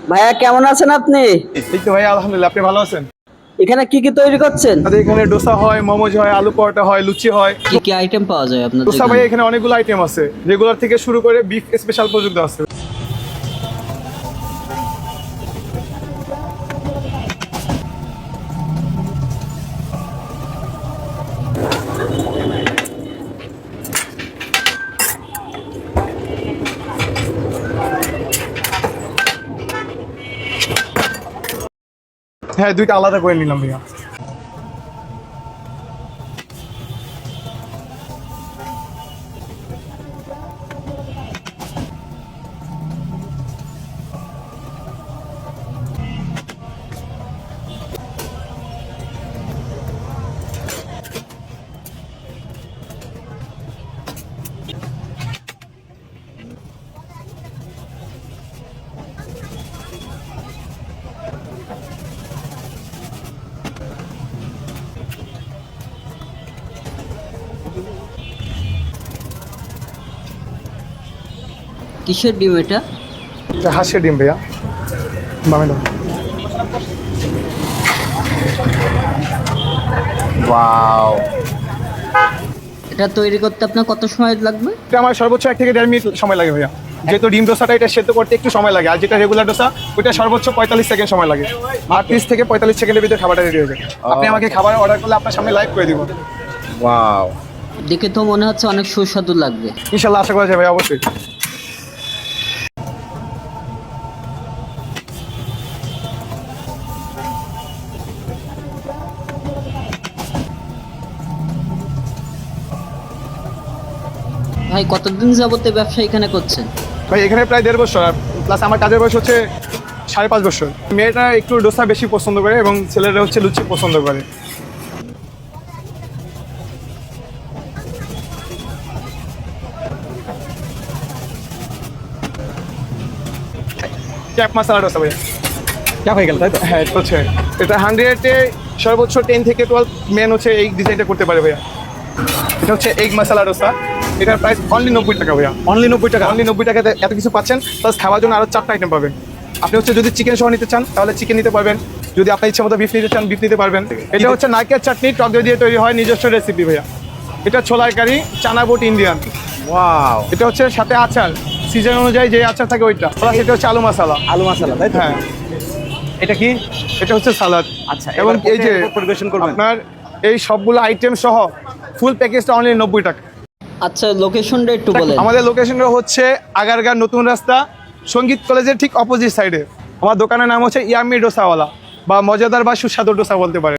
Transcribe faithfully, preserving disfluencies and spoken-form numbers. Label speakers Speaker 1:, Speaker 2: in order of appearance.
Speaker 1: ভাইয়া কেমন আছেন আপনি?
Speaker 2: এই তো ভাই আলহামদুলিল্লাহ, আপনি ভালো আছেন?
Speaker 1: এখানে কি কি তৈরি করছেন?
Speaker 2: আমাদের এখানে ডোসা হয়, মোমোজ হয়, আলু পরোটা হয়, লুচি হয়।
Speaker 1: কি কি আইটেম পাওয়া যায় আপনাদের
Speaker 2: ডোসা ভাই
Speaker 1: এখানে?
Speaker 2: এখানে অনেকগুলো আইটেম আছে, রেগুলার থেকে শুরু করে বিফ স্পেশাল পর্যন্ত আছে। হ্যাঁ, দুইটা আলাদা করে নিলাম ভাইয়া।
Speaker 1: কিসের ডিম এটা?
Speaker 2: এটা হাঁসের ডিম ভাইয়া, বামে দাও। ওয়াও,
Speaker 1: এটা তৈরি করতে আপনার কত সময় লাগবে?
Speaker 2: এটা আমার সর্বোচ্চ এক থেকে দেড় মিনিট সময় লাগে ভাইয়া। যেহেতু ডিম ডোসাটা এটা সেদ্ধ করতে একটু সময় লাগে, আর যেটা রেগুলার ডোসা ওইটা সর্বোচ্চ পঁয়তাল্লিশ সেকেন্ড সময় লাগে। আর ত্রিশ থেকে পঁয়তাল্লিশ সেকেন্ডের ভিতরে খাবারটা রেডি হয়ে যায়। আপনি আমাকে খাবার অর্ডার করলে আপনার সামনে লাইভ করে দিব।
Speaker 3: ওয়াও,
Speaker 1: দেখে তো মনে হচ্ছে অনেক সুস্বাদু লাগবে।
Speaker 2: ইনশাল্লাহ, আশা করা যায় ভাই, অবশ্যই।
Speaker 1: ভাই কতদিন যাবত এই ব্যবসা এখানে করছেন?
Speaker 2: ভাই এখানে প্রায় দেড় বছর, প্লাস আমার কাজের বয়স হচ্ছে সাড়ে পাঁচ বছর। মেয়েটা একটু ডোসা বেশি পছন্দ করে এবং ছেলেরা হচ্ছে লুচি পছন্দ করে। ক্যাপ মশলা ডোসা ভাইয়া,
Speaker 3: ক্যাপ হয়ে গেল তাই তো?
Speaker 2: হ্যাঁ এটা হচ্ছে, এটা হান্ড্রেডে সর্বোচ্চ টেন থেকে টুয়েলভ মেন হচ্ছে এই ডিজাইনটা করতে পারে ভাইয়া। এটা হচ্ছে এগ মশলা ডোসা, এটার প্রাইস অনলি নব্বই টাকা ভাইয়া।
Speaker 3: অনলি নব্বই টাকা?
Speaker 2: অনলি নব্বই টাকাতে এত কিছু পাচ্ছেন, প্লাস খাওয়ার জন্য আরও চারটা আইটেম পাবেন। আপনি হচ্ছে যদি চিকেন সহ নিতে চান তাহলে চিকেন নিতে পারবেন, যদি আপনার ইচ্ছা মতো বিফ নিতে চান বিফ নিতে পারবেন। এটা হচ্ছে নারকেল চাটনি টক দই দিয়ে তৈরি হয়, নিজস্ব রেসিপি ভাইয়া। এটা ছোলার কারি, চানা বুট ইন্ডিয়ান।
Speaker 3: ওয়াও,
Speaker 2: এটা হচ্ছে সাথে আচার, সিজন অনুযায়ী যে আচার থাকে ওইটা, প্লাস এটা হচ্ছে আলু মশলা।
Speaker 3: আলু মশলা তাই তো?
Speaker 2: হ্যাঁ,
Speaker 3: এটা কি?
Speaker 2: এটা হচ্ছে সালাদ।
Speaker 3: আচ্ছা,
Speaker 2: এবং
Speaker 3: এবার
Speaker 2: এই যে
Speaker 3: এরপর পরিবেশন করবেন।
Speaker 2: আপনার এই সবগুলো আইটেম সহ ফুল প্যাকেজটা অনলি নব্বই টাকা।
Speaker 1: আচ্ছা, লোকেশনটা একটু বলেন।
Speaker 2: আমাদের লোকেশনটা হচ্ছে আগারগাঁও নতুন রাস্তা, সঙ্গীত কলেজের ঠিক অপোজিট সাইডে। আমার দোকানের নাম হচ্ছে ইয়ামি ডোসাওয়ালা, বা মজাদার বা সুস্বাদু ডোসা বলতে পারে।